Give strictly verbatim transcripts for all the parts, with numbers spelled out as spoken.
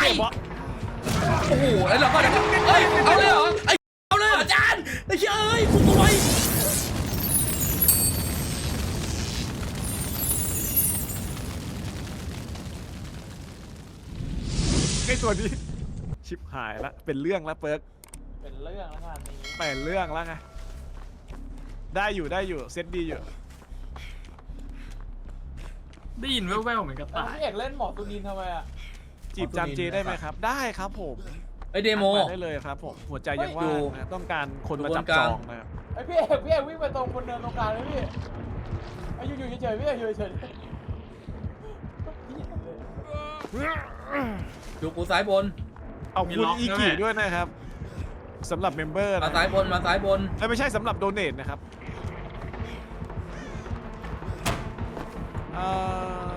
โอ้โหไอ้เราก็เฮ้ยเอาเลยเหรอไอ้เอาเลยเหรออาจารย์ไอ้เชี่ยเอ้ยคุณตัวไวไอ้ตัวนี้ชิบหายละเป็นเรื่องละเปิร์กเป็นเรื่องแล้วงานนี้เป็นเรื่องแล้วไงได้อยู่ได้อยู่เซตดีอยู่ได้ยินแว่วๆเหมือนกระแล้วต่ายพี่เอกเล่นหมอตุนินทำไมอ่ะจีบจามเจได้ไหมครับได้ครับผมไอ้เดโมทักาได้เลยครับผมหัวใจยังว่างนะต้องการคนมาจับจองนะครับไอพี่เอกพี่เอกวิ่งไปตรงคนเดินตรงกลางเลยพี่ไออยู่อยู่เฉยๆพี่เอกอยู่เฉยอยู่กูซ้ายบนเอาคุณอีกี่ด้วยนะครับสำหรับเมมเบอร์มานะซ้ายบนมาซ้ายบนและไม่ใช่สำหรับโดเนทนะครับเอ่อ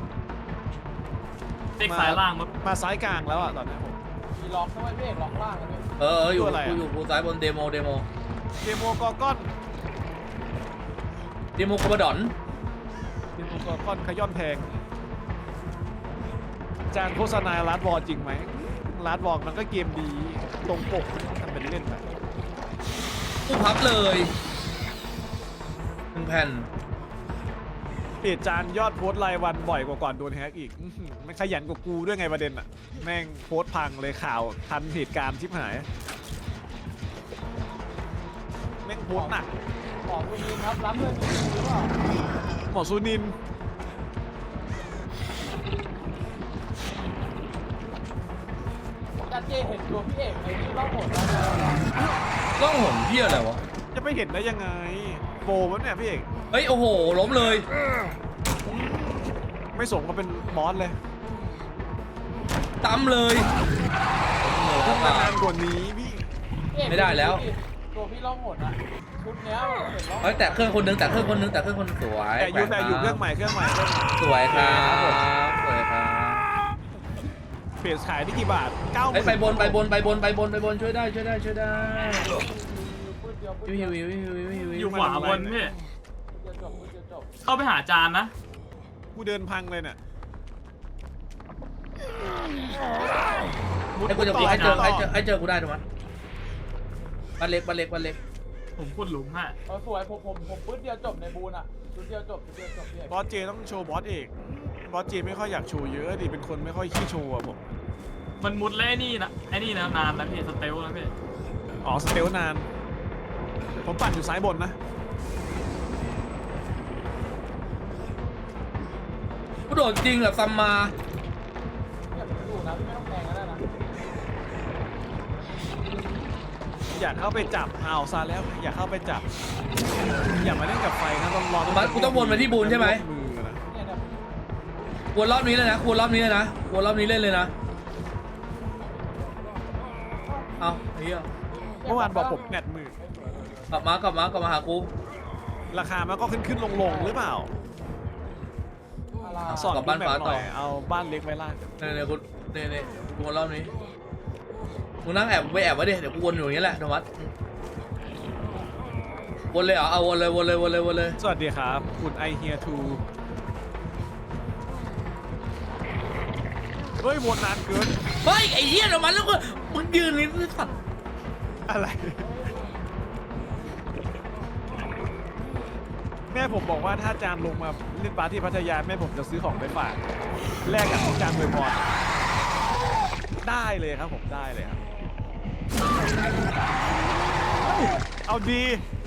เด็กสายล่างมั้งมาซ้ายกลางแล้วอ่ะตอนนี้ผมๆมีล็อกด้วยพี่เอกล็อกล่างกันด้วยเออเอออยู่ตัวอะไรอะกูอยู่กูซ้ายบนเดโมเดโมเดโมกอร์กอนเดโมกระดอนเดโมกอร์กอนขย้อนแพงจานโฆษณาลาดบอลจริงไหมลาดบอลมันก็เกมดีตรงปกทำเป็นเล่นไปกูพับเลยหนึ่งแผ่นเพจจานยอดโพสต์รายวันบ่อยกว่าก่อนโดนแฮกอีกอื้อหือมันขยันกว่ากูด้วยไงประเด็นอะแม่งโพสต์พังเลยข่าวทันเหตุการณ์ชิบหายแม่งโพสต์หนักหมอตุนินครับรับเรื่องนี้หรือเปล่าหมอซูนินจันเจเห็นตัวพี่เอกไอ้ที่ต้องหมดแล้วต้องหนเพี้ยอะไรวะจะไม่เห็นได้ยังไงโปรวะเนี่ยพี่เอกเฮ้ยโอ้โหล้มเลยไม่สมก็เป็นบอสเลยตั้มเลยต้องมานานกว่านี้พี่ไม่ได้แล้วตัวพี่ล่องหดอ่ะชุดเนี้ยมันเห็นล่องเฮ้ยแต่เครื่องคนนึงแต่เครื่องคนนึงแต่เครื่องคนสวยแต่อยู่แปแต่ลกอยู่เครื่องใหม่เครื่องใหม่เครื่องใหม่สวยครับสวยครับเพจขายได้กี่บาทเก้าไปไปบนไปบนไปบนไปบนไปบนช่วยได้ช่วยได้ช่วยได้ปืนเดียวปืนวิเดียวววิววิววิววิวอยู่ขวาบนพี่ปืนเดียวจบปืนเดียวจบเข้าไปหาจานนะกูเดินพังเลยเนี่ยไอ้กูจะกูให้เจอให้เจอให้เจอกูได้ถูกไหมบ้านเล็กบ้านเล็กบ้านเล็กผมขุดหลุมฮะเออสวยผมผมผมปืนเดียวจบในบูนอ่ะปืนเดียวจบปืนเดียวจบพี่เอกบอสเจต้องโชว์บอสเอกบอสเจไม่ค่อยอยากโชว์เยอะดิเป็นคนไม่ค่อยขี้โชว์อะผมมันมุดแล้วไอ้นี่นะไอ้นี่นะนานแล้วพี่สเตลแล้วพี่อ๋อสเตลนาน ผมปั่นอยู่ซ้ายบนนะกูโดดจริงเหรอซัมมาอย่าไปดูนะพี่ไม่ต้องแทงก็ได้นะอยากเข้าไปจับเอาซะแล้วอยากเข้าไปจับ อย่ามาเล่นกับไฟนะต้องรอมันกูต้องวนมาที่บูนใช่ไหมมือนะเนี่ยเนี่ยวนรอบนี้เลยนะวนรอบนี้เลยนะวนรอบนี้เล่นเลยนะเอาไอ้เหี้ยเมื่อวานบอกผมแปดหมื่นกลับมากลับมากลับมาหากูราคามันก็ขึ้นขึ้นลงลงหรือเปล่าอะไรสอนแบบหน่อยเอาบ้านเล็กไว้ล่างเนี่ยเนี่ยกูเนี่ยเนี่ยกูวนรอบนี้มึงนั่งแอบไปแอบไว้ดิเดี๋ยวกูวนอยู่อย่างนี้แหละธรรมะวนเลยเหรอเอาวนเลยวนเลยวนเลยวนเลยสวัสดีครับคุณไอเฮียทูเฮ้ยวนนานเกินเฮ้ยไอ้เหี้ยธรรมะแล้วก็มึงยืนนี่สัตว์อะไร แม่ผมบอกว่าถ้าจานลงมาเล่นปาร์ตี้พัทยาแม่ผมจะซื้อของไปฝากแลกกับที่จานอวยพรได้เลยครับผมได้เลยครับเอาดี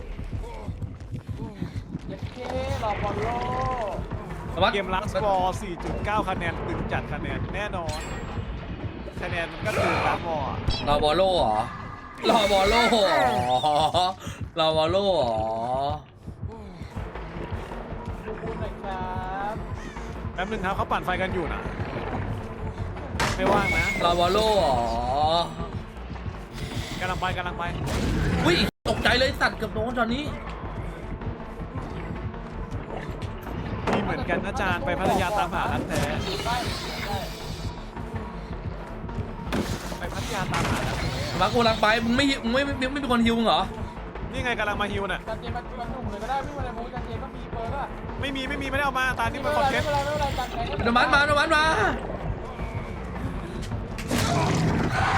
เย็ดเครอบอลโลธรรมะเกมลักสกอร์ สี่จุดเก้า คะแนนตึงจัดคะแนนแน่นอนคะแนนมันก็ตึงลักบอลรอบอลโล่เหรอรอบอลโล่เหรอรอบอลโล่เหรอดูบูนหน่อยครับแป๊บนึงครับเขาปั่นไฟกันอยู่นะไม่ว่างนะรอบอลโล่เหรอกำลังไปกำลังไปอุ้ยตกใจเลยสัตว์เกับโดนตอนนี้มีเหมือนกันนะจานไปพัทยาตามหารักแท้ได้ได้ไปพัทยาตามหารักแท้มากูกำลังไปมึงไม่มึงไม่ไม่ไม่ไม่เป็นคนฮิวมึงเหรอนี่ไงกำลังมาฮิวน่ะจันเจมันมันหนุ่มเลยก็ได้พี่วันไหนมูจันเจก็มีเปิร์กอะไม่มีไม่มีไม่ได้เอามาตานี่ไม่มันเป็คอน นไรเทนต์ไม่เป็นไรไม่เป็นไรจันแทงโนมันมาโนมันมา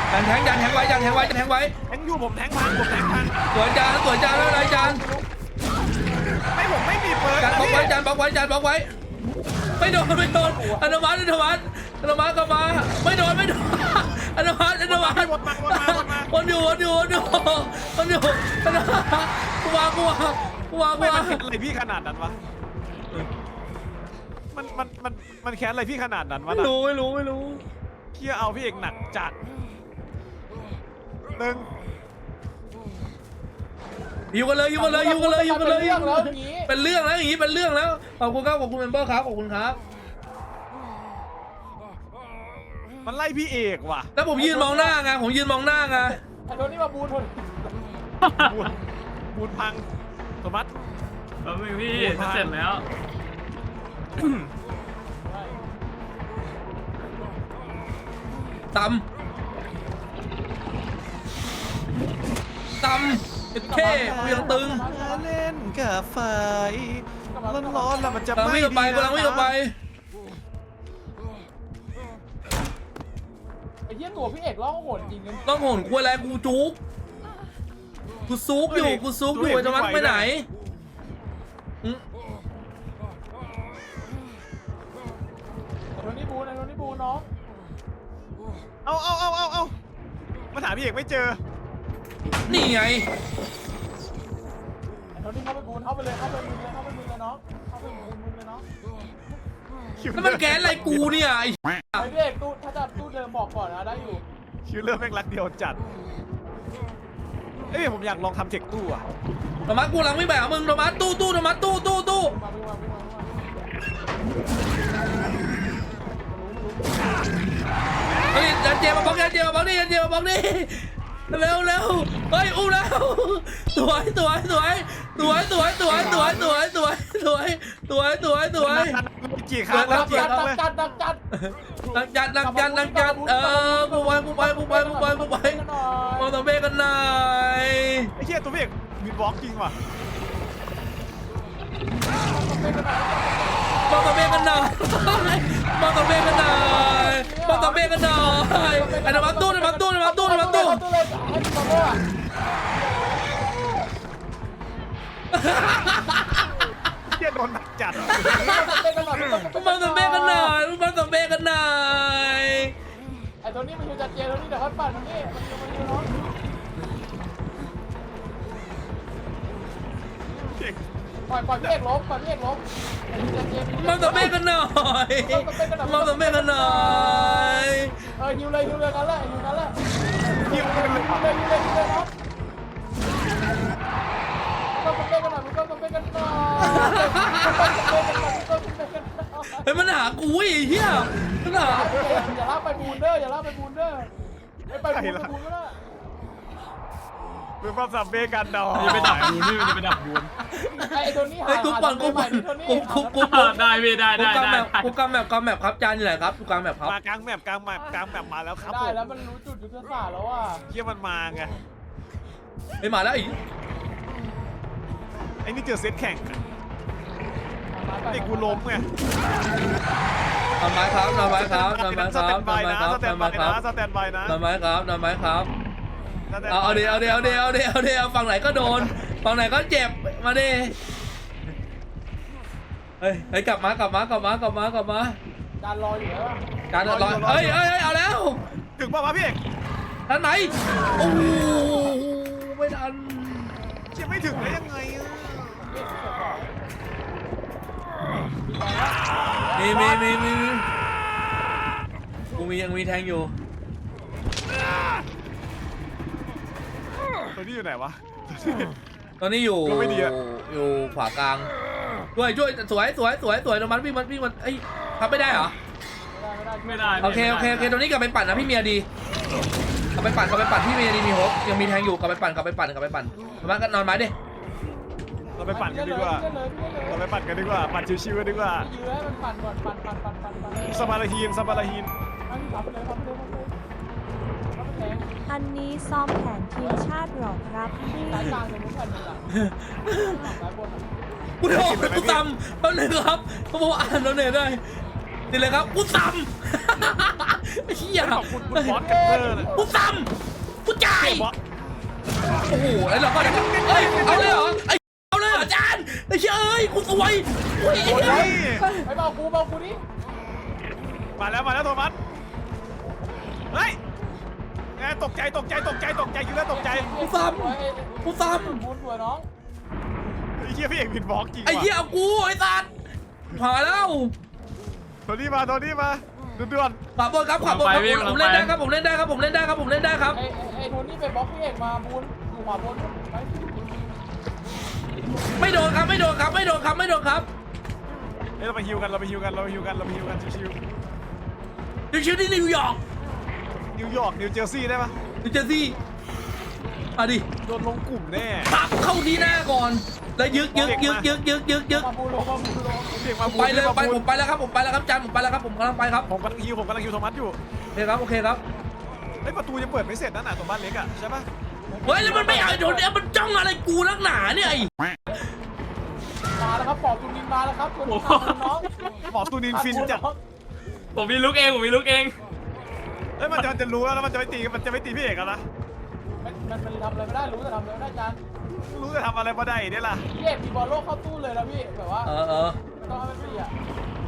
จานแทงจานแทงไว้จานแทงไว้จานแทงไว้แทงอยู่ผมแทงพังผมแทงพังสวยจานสวยจานแล้วอะไรจานไม่ผมไม่มีเปิร์กจานนะบล็อกพี่ไว้จานบล็อกไว้จานบล็อกไว้ไม่โดนไม่โดนอนุมัติอนุมัติอนุมัติกลับมาไม่โดนไม่โดนอนุมัติอนุมัติวนมาวนมาวนมาวนอยู่วนอยู่วนอยู่วนอยู่อนุมัติกูวางกูวางกูวางกูไม่มัวาน งแค้นอะไรพี่ขนาดนั้นวะมันมันมันมันแค้นอะไรพี่ขนาดนั้นวะไม่น่ะรู้ไม่รู้ไม่รู้เคี่ยเอาพี่เอกหนักจัดหนึ่งอยู่กันเลยอยู่กันเลยอยู่กันเลยอยู่กันเลยเรื่องแล้วอย่างนี้เป็นเรื่องแล้วอย่างนี้เป็นเรื่องแล้วขอบคุณครับขอบคุณเมมเบอร์ครับขอบคุณครับมันไล่พี่เอกว่ะแล้วผมยืนมองหน้าไงผมยืนมองหน้าไงไอ้โทนี่มาบูนทนบูนบูนพังโทมัสเออพี่จะเสร็จแล้วตำตำเอ็ดเคกูยังตึงเล่นกับไฟร้อนๆแล้วมันจะกำลังไม่วิ่งออกไปกำลังวิ่งออกไปไอ้เหี้ยตัวพี่เอกร้องโหดจริงกันต้องโหนกูอะไรกูจุกกูซุกอยู่กูซุกอยู่ไอ้ธรรมะไปไหนอืมไอ้โทนี่บูนไอ้โทนี่บูนน้องเอาเอาเอาเอาเอามาถามพี่เอกไม่เจอนี่ไงไอ้โทนี่เข้าไปบูนเข้าไปเลยเข้าไปบูนเลยเข้าไปบูนเลยน้องเข้าไปบูนบูนเลยน้องแล้วมันแก๊สอะไรกูเนี่ยไอ้ไอ้พี่เอกตู้ถ้าจะตู้เดิมบอกก่อนนะได้อยู่คิวเลอร์แม่งรักเดียวจัดเอ้ยผมอยากลองทำเทคตู้อะธรรมะกูกำลังวิ่งไปหามึงธรรมะตู้ตู้ธรรมะตู้ตู้ตู้มาวิ่งมาวิ่งมาวิ่งมาเฮ้ยยันเจมาบล็อกยันเจมาบล็อกนี่ยันเจมาบล็อกนี่เร็วเร็วเฮ้ยอุ้มแล้วสวยสวยสวยสวยสวยสวยสวยสวยสวยสวยสวยสวยสวยกี่ครั้งแล้วดักกี่จัดครั้งดักเลยจัดดักจัดนักจัดนักจัดนักจัดเออกูไปกูไปกูไปกูไปกูไปมองตะเบกันหน่อยไอ้เหี้ยตัวพี่เอกมีบล็อกจริงว่ะมองตะเบกันหน่อยมองตะเบกันหน่อยมองตะเบกันหน่อยไอ้ธรรมะตู้ธรรมะตู้ธรรมะตู้ธรรมะตู้ตู้เลยให้พี่มาโม่อะเหี้ยโดนหนักจัดเต้นกันหน่อยมองตะเบกันหน่อยมองตะเบกันหน่อยไอ้ตัวนี้มันอยู่จัดเจตัวนี้เดี๋ยวเขาปั่นมันนี่มันอยู่มันอยู่น้องพี่เอกปล่อยปล่อยพี่เอกล้มปล่อยพี่เอกล้มไอ้จัดเจมองตะเบกันหน่อยมองตะเบกันหน่อยเออฮิวเลยฮิวเลยกันแหละฮิวกันแหละยิงเลยฮิวเลยฮิวเลยฮิวเลยน้องต้องเต้นกันหน่อยมึงต้องเต้นกันหน่อยต้องเต้นกันหน่อยต้องเต้นกันหน่อยเฮ้ยมันหากูไอ้เหี้ยมันหาอย่าลากไปบูนเด้ออย่าลากไปบูนเด้อไปไปบูนไปบูนก็ได้เรื่องความสับเบกันดอมันจะไปดับบูนพี่มันจะไปดับบูนไอ้ตัวนี้เฮ้ยกูปั่นกูปั่นกูกูกูได้พี่ได้กูได้กำแมได้ปกูกำแมปกำแมปครับจานอยู่ไหนครับกูกำแมปครับมากลางแมปกลางแมปกลางแมปมาแล้วครับได้ผมแล้วมันรู้จุดยุทธศาสตร์แล้วอ่ะเหี้ยมันมาไงไอ้ยมาแล้วไอ้ไอ้นี่เจอเซตแข่งอะไอ้กูล้มไงทำไมครับทำไมครับทำไมสคแตรับนบายทำไมนะครับ สแตทำนไมบายครันะบสแตนบายนะทำไมครับทำไมครับสแตนบยเอาเอาดิเอาดิเอาดิเอาดิเอาดิเอาฝั่งไหนก็โดนฝั่งไหนก็เจ็บมาดิเฮ้ยเฮ้ยกลับมากลับมากลับมากลับมากลับมาจานรออยู่แล้วจานรอเฮ้ยเฮ้ยเฮ้ยเอาแล้วถึงป่าวะพี่เอกท่านไหนโอ้โหไม่ทันเชี่ยไม่ถึงได้ยังไงอะมีมีมีมีมีกูมียังมีแทงอยู่ตัวนี้อยู่ไหนวะตอนนี้อยู่ก็ไม่ดีอะอยู่ขวากลางช่วยช่วยสวยสวยสวยสวยตรงมันวิ่งมันวิ่งมันเอ้ยทำไม่ได้เหรอไม่ได้ไม่ได้ไม่ได้โอเคโอเคโอเคตรงนี้กลับไปปั่นนะพี่เมียดีกลับไปปั่นกลับไปปั่นพี่เมียดีมีโฮปยังมีแทงอยู่กลับไปปั่นกลับไปปั่นกลับไปปั่นมากันนอนไม้ดิเราไปปั่นกันดีกว่า เราไปปั่นกันดีกว่า ปั่นชิวๆกันดีกว่ายื้อให้มันปั่นก่อนปั่นปั่นปั่นปั่นปั่นสมาราฮีนสมาราฮีนอันนี้ขับไปเลยขับไปเลยขับไปเลยขับไปแทงอันนี้ซ้อมแผนทีมชาติหรอครับพี่สายกลางเลยมุ้งแผ่นหนึ่งอ่ะสายบนอ่ะกูโดนกูซ้ำแป๊บนึงครับเขาบอกว่าอ่านแล้วเนี่ยได้ดีเลยครับกูซ้ำไอ้เหี้ยขอบคุณคุณบอสแคปเปอร์นะกูซ้ำกูจ่ายบอสโอ้โหไอ้เราก็เอ้ยเอาเลยเหรอไอ้เอาเลยเหรออาจารย์ไอ้เชี่ยเอ้ยกูสวยโอ้ยไอ้โอ้เหี้ยยไปเบากูเบากูดิมาแล้วมาแล้วโทมัสเฮ้ยแกตกใจตกใจตกใจตกใจอยู่แล้วตกใจกูซ้ำกูซ้บุญสวยน้องไอ้เหี้ยพี่เอกผิดบล็อกจริงำไอ้เหี้ยเอากูไอ้สัตว์ผ่านแล้วโทนี่มาโทนี่มาด่วนขวาบนครับขวาบนครับผมเล่นได้ครับผมเล่นได้ครับผมเล่นได้ครับผมเล่นได้ครับไอ้ไอ้โทนี่ไปบล็อกพี่เอกมาบุญอยู่ขวาบนไปไม่โดนครับไม่โดนครับไม่โดนครับไม่โดนครับๆเอ้ยเราไปฮิวกันเราไปฮิวกันเราไปฮิวกันเราไปฮิวกันชิวดิวชิวที่นิวยอร์กๆนิวยอร์กนิวเจอร์ซีย์ได้ปะนิวเจอร์ซีย์อ่ะดิโดนลงกลุ่มแน่ปับเข้าที่หน้าก่อนแล้วยึกยึกยึกยึกยึกยึกยึกมาบุญลงมาบุญลงเพียงมาบูไปเลยมาไปบูผมไปแล้วครับผมไปแล้วครับจานผมไปแล้วครับผมกำลังไปครับผมกำลังฮิวผมกำลังฮิวโทมัสอยู่โอเคครับโอเคครับไอ้ยประตูยังเปิดไม่เสร็จนั่นน่ะตรงบ้านเล็กอ่ะใช่ปะเฮ้ยแล้วมันไม่เอาไอ้โดนเนี่ยมันจ้องอะไรกูนักหนาเนี่ยไอ้มาแล้วครับปอบตุนินมาแล้วครับคุณน้องหมอตูนินฟินจัดผมมีลุกเองผมมีลุกเองเอ้ยมันจะมันจะรู้แล้วแล้วมันจะไม่ตีมันจะไม่ตีพี่เอกแล้วนะมันมันมันทำอะไรไม่ได้รู้แต่ทำอะไรไม่ได้จานรู้จะทำอะไรมาได้เนี่ยล่ะพี่เอกมีบอลโลกเข้าตู้เลยนะพี่แบบว่าเออเออไม่ต้องให้มันฟรีอ่ะ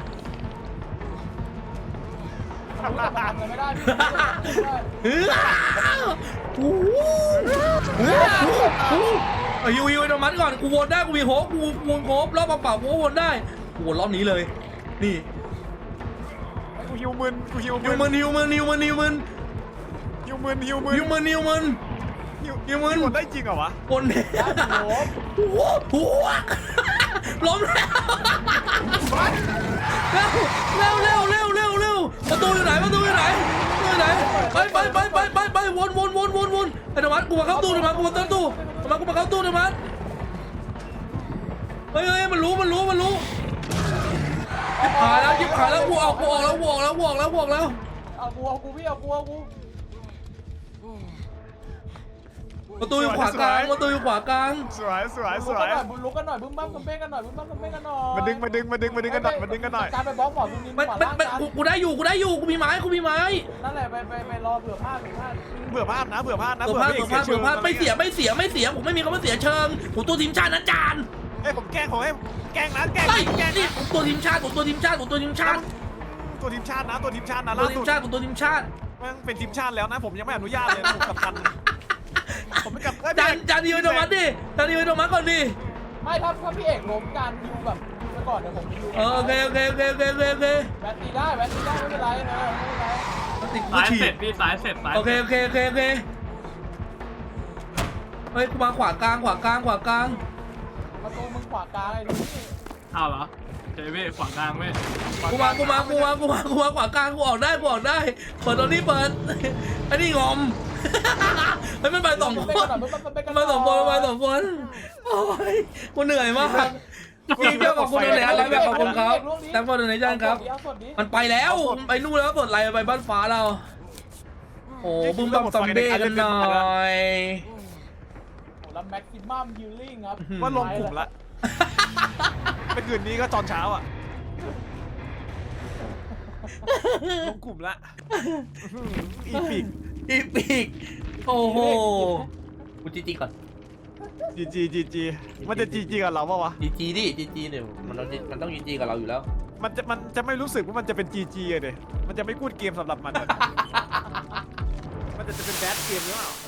รู้แต่มันทำอะไรไม่ได้พี่ไม่ได้เฮ้ยโอ้โหเฮ้ยโอ้โหไอ้ยูยูไอ้โดมันก่อนกูวนได้กูมีโฮปกูวนโฮปรอบเปล่าๆกูก็วนได้กูวนรอบนี้เลยนี่กูฮิวมึนกูฮิวนิวมึมัน นนิวมันนิวมันนิวมันฮิวมึนฮิวมึนนิวมันนิวมันฮิวฮิวมึนฮิวได้จริงเหรอวะวนเนี่ยโอ้โหโอ้โหหัวล้มแล้วเร็วเร็วเร็วเร็วเร็วประตูอยู่ไหนประตูอยู่ไหนประตูอยู่ไหนไปไปไปไปไปไปวนวนวนวนวนไอ้ธรรมะกูมาเข้าตู้ธรรมะกูมาเข้าตู้ธรรมะกูมาเข้าตู้ธรรมะเฮ้ยเฮ้ยมันรู้มันรู้มันรู้ยิบขายแล้วยิบขายแล้วกูออกกูออกแล้วกูออกแล้วกูออกแล้วกูออกแล้วเอากูเอากูพี่เอากูเอากูประตูอยู่ขวากลางประตูอยู่ขวากลางสวยสวยสลุกวกันยหน่อยบุญลุกกันหน่อยบึ้มบ้ามกันเป้กันหน่อยบึ้มบ้ามกันเป้กันหน่อยมาดึงมาดึงมาดึงมาดึงกันหน่อยมาดึงกันหน่อยการไปบล็อกหมอตุนินมันขวามันล่างมันจานกูกูได้อยู่กูได้อยู่กูมีไม้กูมีไม้นั่นแหละไปไปไปรอเผื่อพลาดเผื่อพลาดเบื่อภาพนะเบื่อภาพนะเผื่อพลาดพี่เผื่อพลาดชื่เผื่อพลาดไม่เสียไม่เสียไม่เสียผมไม่มีคำว่าเสียเชิงผมตัวทีมชาตินะจานเอ้ยผมแกล้งผมให้แกล้งนะแกล้งไอ้แกล้งนี่ผมตัวทีมชาติผมตัวทีมชาติผมตัวทีมชาติตัวทีมชาตินะตัวทีมชาตินะตัวล่าทีสุมดชาติผมตัวทีมชาติมันเป็นทีมชาติแล้วนะผมยังไม่อนุญาตเลยนะผมกับทันผมไม่กับเอ้ยจานจานดีไว้โทมัสดิจานดีไว้โทมัสก่อนดิไม่ถ้าถ้าพี่เอกล้มการยูแบบยูไปก่อนเดี๋ยวผมยูเออโอเคโอเคโอเคโอเคโอเคโอเคแบตตีได้แบตตีได้ไม่เป็นไรนะไม่เป็นไรติดกูสายฉีเสร็ดจพี่สายเสร็จสายโอเคโอเคโอเคโอเคเฮ้ยกูมาขวากลางขวากลางขวากลางประตูมึงขวากลางไอ้นี่เอาเหรอเจเว้ยขวางกลางเว้ยกูมากูมากูมากูมากูมาขวากลางกูออกได้กูออกได้เปิดตอนนี้เปิดไอ้นี่งอมเฮ้ยมันไปสองคนมันไปสองคนมันไปสองคนโอ้ยกูเหนื่อยมากจริงเจ้าขอบคุณเลยอะไรแบบขอบคุณครับแต่พอดูในจานครับ มันไปแล้วมันไปนู่นแล้วสดไหลไปบ้านฟ้าเรา โอ้บึ้มบัมซัมเบ้กันหน่อยโอ้แล้วแม็กซิมัมฮิลลิ่งครับว่าลงกลุ่มละไปคืนนี้ก็ตอนเช้าอ่ะลงกลุ่มละอีพิกอีปีกโอ้โหกูจีจีก่อนจีจีจีจีมันจะจีจีกับเราปะวะจีจีดิจีจีเดี๋ยวมันต้องมันต้องจีจีกับเราอยู่แล้วมันจะมันจะไม่รู้สึกว่ามันจะเป็นจีจีเลยมันจะไม่กูดเกมสำหรับมันอะมันจะจะเป็นแบดเกมหรือเปล่า